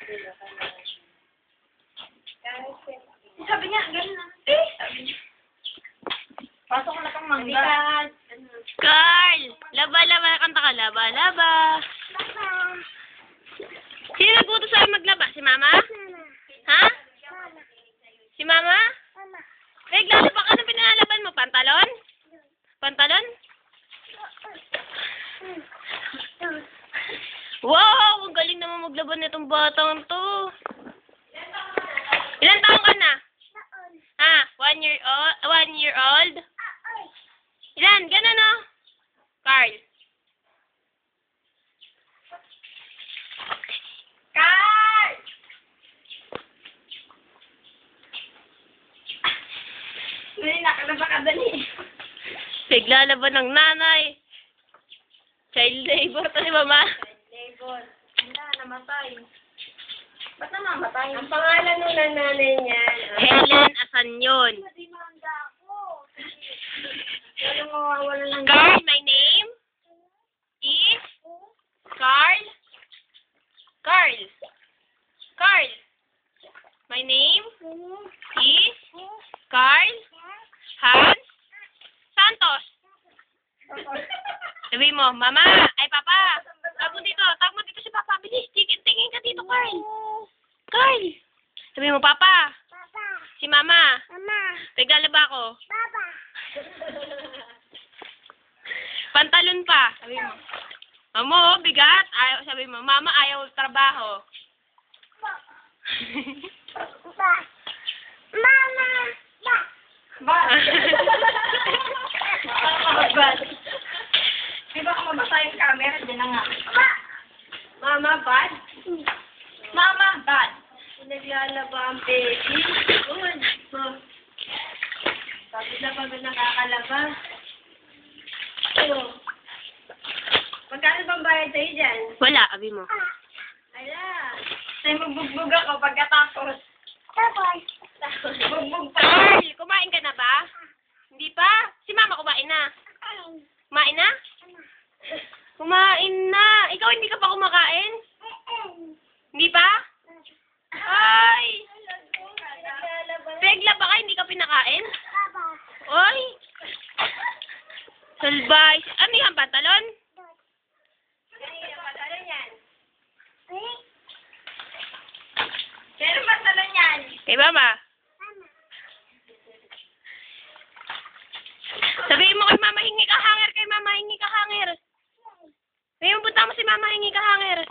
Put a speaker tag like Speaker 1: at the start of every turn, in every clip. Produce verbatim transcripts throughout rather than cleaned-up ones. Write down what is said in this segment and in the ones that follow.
Speaker 1: Sabi niya, gano'n na. Eh, sabi niya. Pasok ko na kang mangga.
Speaker 2: Carl! Laba, laba. Kanta ka, laba, laba. Sino nagbuto sa'yo maglaba? Si Mama? Ha? Si Mama? Naglalaba ka ng pinalalaban mo? Pantalon? Pantalon? Wow! Ang galing naman maglaban nitong batang to. Ilan taong ka na? Ha? One year old? One year old? Ilan? Ganun, no? Carl.
Speaker 1: Carl! Hindi, nakalaba ka dali.
Speaker 2: Naglalaban ng nanay. Child labor to ni Mama.
Speaker 1: Child labor. Wala, namatay. Ba't namamatay? Ang pangalan nung nanay niya.
Speaker 2: Helen Asanyon.
Speaker 1: Hindi manda ako. Walang mawawala ng...
Speaker 2: Carl, my name is Carl. Carl. Carl. My name is Carl Hans Santos. Sabi mo, Mama, ay Papa. Tag mo dito, tag mo dito si Papa. Bilis, tingin, tingin ka dito, Carl. Carl. Sabi mo, Papa. Si Mama. Naglalaba ako. Pantalon pa. Sabi mo. Mamo, bigat. Ayaw, sabi mo, Mama, ayaw trabaho.
Speaker 1: Ba? Bad. Di ba kung mabasa yung camera, dyan na nga. Mama, bad? Mama, bad. Naglalaba ang baby. Good. Pagod na pagod nakakalaba. So, magkano bang bayad sa'yo dyan?
Speaker 2: Wala, sabi mo.
Speaker 1: Ala. Sa'yo magbugbog ako pagkatapos. Tapos. Bugbog pa.
Speaker 2: Carl, kumain ka na ba? Hindi pa? Si Mama kumain na. Kumain na? Kumain na. Ikaw hindi ka pa kumakain? Hindi pa? Ay! Regla ba ka hindi ka pinakain? Oy! Salbay. Ano yan? Pantalon?
Speaker 1: Kanina pantalon yan. Pero pantalon yan.
Speaker 2: Kay Mama. Sabihin mo kay Mama, hingi ka hanger. Kay Mama, hingi ka hanger. Sabihin mo, punta mo si Mama, hingi ka hanger.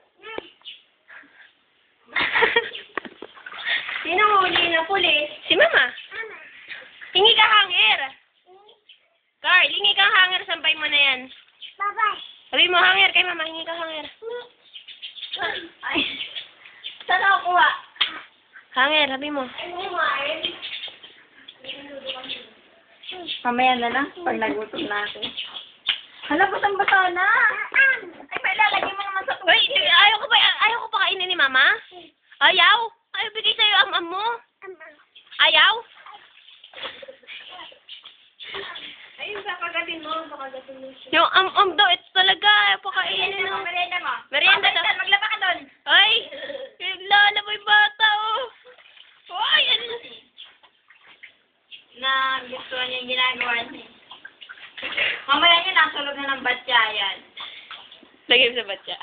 Speaker 1: Sino huli na pulis?
Speaker 2: Si Mama. Hingi ka hanger. Carl, hingi ka hanger. Sampay mo na yan. Sabihin mo, hanger. Kay Mama, hingi ka hanger.
Speaker 1: Ay. Saan ako kuha?
Speaker 2: Hanger, sabi mo.
Speaker 1: Mamaya na lang, pag nagutom na ako. Hala, batang-bata na. Ay, may lalagay mo naman sa tubig.
Speaker 2: Wait, ayaw ko ba, ayaw ko pa kainin ni Mama? Ayaw? Ayaw bigay sa'yo ang am mo? Ayaw?
Speaker 1: Ayun, kakagatin mo, kakagatin mo siya.
Speaker 2: Yung am-am daw, ito talaga. Ayaw pa kainin.
Speaker 1: mo, merienda mo.
Speaker 2: Merienda daw.
Speaker 1: Baliktad, maglaba ka doon.
Speaker 2: Ay, naglalaba yung bata, oh. Ay, ano?
Speaker 1: Na gusto niya yung ginagawa niya. Mamaya niya, nasa loob na ng batya yan.
Speaker 2: Lagay mo sa batya.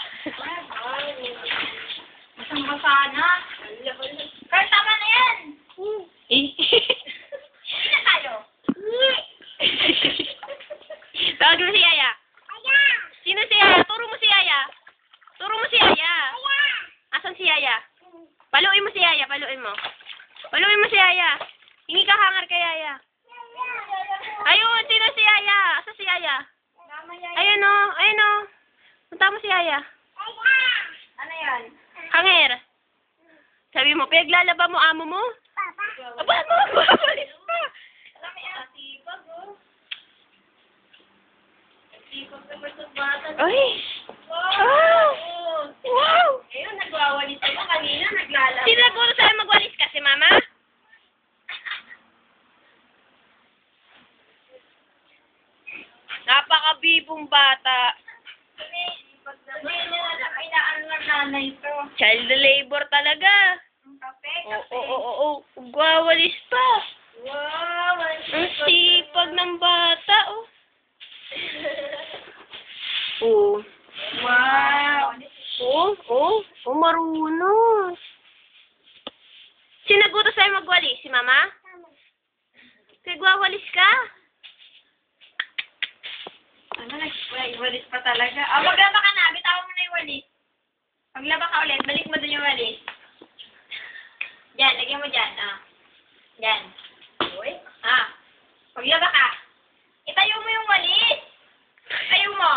Speaker 1: Basang-basa na. Pero tama na yan.
Speaker 2: Eh.
Speaker 1: Hindi na tayo.
Speaker 2: Tawag mo si Yaya. Sino si Yaya? Turo mo si Yaya. Turo mo si Yaya. Asan si Yaya? Paluin mo si Yaya, paluin mo. Paluin mo si Yaya. Hingi ka hanger kay Yaya. Ayun, sino si Yaya? Asan si Yaya? Ayun o, ayun o. Punta mo si Yaya.
Speaker 1: Ano yan?
Speaker 2: Hanger. Sabi mo, pinaglalaba mo amo mo? Aba mo, babalis pa.
Speaker 1: Alam mo yan, sipag oh. Sipag sa person bata.
Speaker 2: Ay.
Speaker 1: Wow!
Speaker 2: Wow.
Speaker 1: Ayun, nagwawalis ako kanina, naglalaba.
Speaker 2: Sino naguro sa'yo magwalis ka? Si Mama? Napakabibong bata.
Speaker 1: Hindi, pag naman, ay naano ng nanay to.
Speaker 2: Child labor talaga.
Speaker 1: Ang kape,
Speaker 2: Oo,
Speaker 1: kape.
Speaker 2: oo, oo, oo. Ugwawalis pa.
Speaker 1: Wow,
Speaker 2: Ang sipag ng bata, oh. Oo.
Speaker 1: Wow.
Speaker 2: Oo, oo. Oh, marunong. Sino nagbuto sa'yo magwalis? Si Mama? Nagwawalis ka?
Speaker 1: Ano, nag-walis pa talaga. Ah, maglaba ka na. Bitawan mo na yung walis. Maglaba ka ulit. Balik mo dun yung walis. Diyan, lagyan mo dyan. Ah. Diyan. Uy. Ah. Maglaba ka. Itayo mo yung walis. Itayo mo.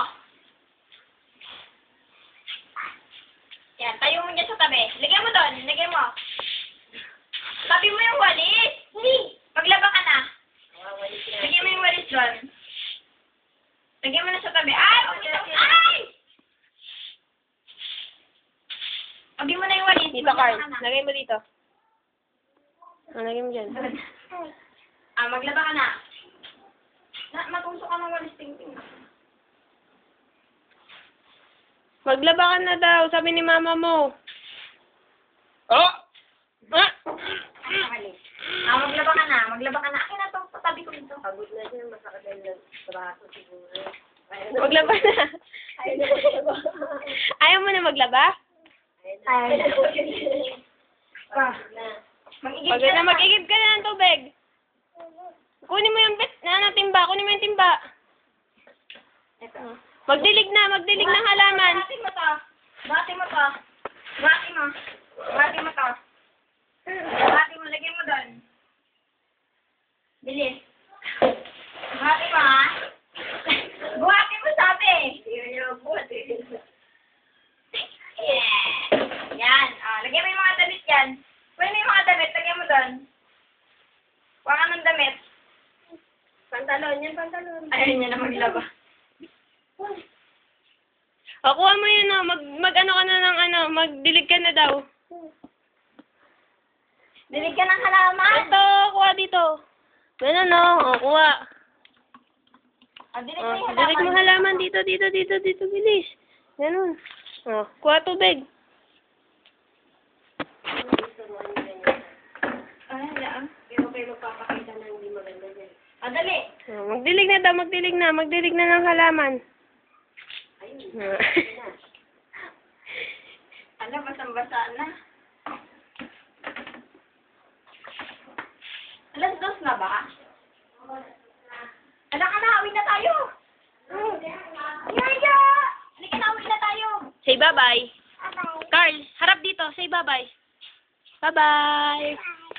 Speaker 1: Yan, tayo mo dyan sa tabi. Lagyan mo doon. Lagyan mo. Tabi mo yung walis. Maglaba ka na. Lagyan mo yung walis doon. Lagyan mo na sa tabi. Ay! Huwag mo ito. Ay! Lagyan mo na yung walis.
Speaker 2: Dito,
Speaker 1: Maglaba
Speaker 2: Carl.
Speaker 1: ka na.
Speaker 2: Lagay mo dito. Ah, lagay mo dyan.
Speaker 1: Ah, maglaba ka na. Na, matusok ka ng walis ting-ting.
Speaker 2: Maglaba ka na daw, sabi ni Mama mo. Oh! Ah!
Speaker 1: Ah, maglaba ka na. Maglaba ka na. Akin na to. Patabi ko dito. Pagod na siya. Masakit na yung braso siguro.
Speaker 2: Maglaba na.
Speaker 1: Ayaw na maglaba.
Speaker 2: Ayaw mo na maglaba?
Speaker 1: Ayaw na. Pa. Mag-igib
Speaker 2: Pagod na, mag-igib ka na ng tubig. Kunin mo yung bit, na, ano, timba. Kunin mo yung timba.
Speaker 1: Ito.
Speaker 2: Magdilig na, magdilig ng halaman.
Speaker 1: Bati mo to. Bati mo to. Bati mo. Bati mo to. Bati mo. Lagyan mo doon. Bilis. Bati mo, ha? Buhati mo sabi. Yeah. Yan. Ah, lagyan mo yung mga damit yan. Kunin mo yung mga damit. Lagyan mo doon. Kuha ka ng damit. Pantalon. Yan, pantalon. Ayaw niya na maglaba.
Speaker 2: O, kuha mo yun, no. Mag, mag ano ka na ng ano, magdilig ka na daw.
Speaker 1: Dilig ka ng halaman.
Speaker 2: Ito, kuha dito. Ganun, no. O, kuha.
Speaker 1: Ah, dilig
Speaker 2: O,
Speaker 1: mo yung
Speaker 2: dilig mo
Speaker 1: halaman.
Speaker 2: halaman dito, dito, dito, dito, bilis. Ganun. O, kuha tubig.
Speaker 1: Ay, hala. Pero kayo magpapakita na hindi maganda dyan. Ah, dali.
Speaker 2: O, magdilig na daw, magdilig na, magdilig na ng halaman.
Speaker 1: Ayun.
Speaker 2: O.
Speaker 1: Ano, basang-basa na. Alas dos na ba? Alam ka na, uwi na tayo. Yaya! Halika na, uwi na tayo.
Speaker 2: Say bye-bye.
Speaker 1: Bye-bye.
Speaker 2: Carl, harap dito. Say bye-bye. Bye-bye.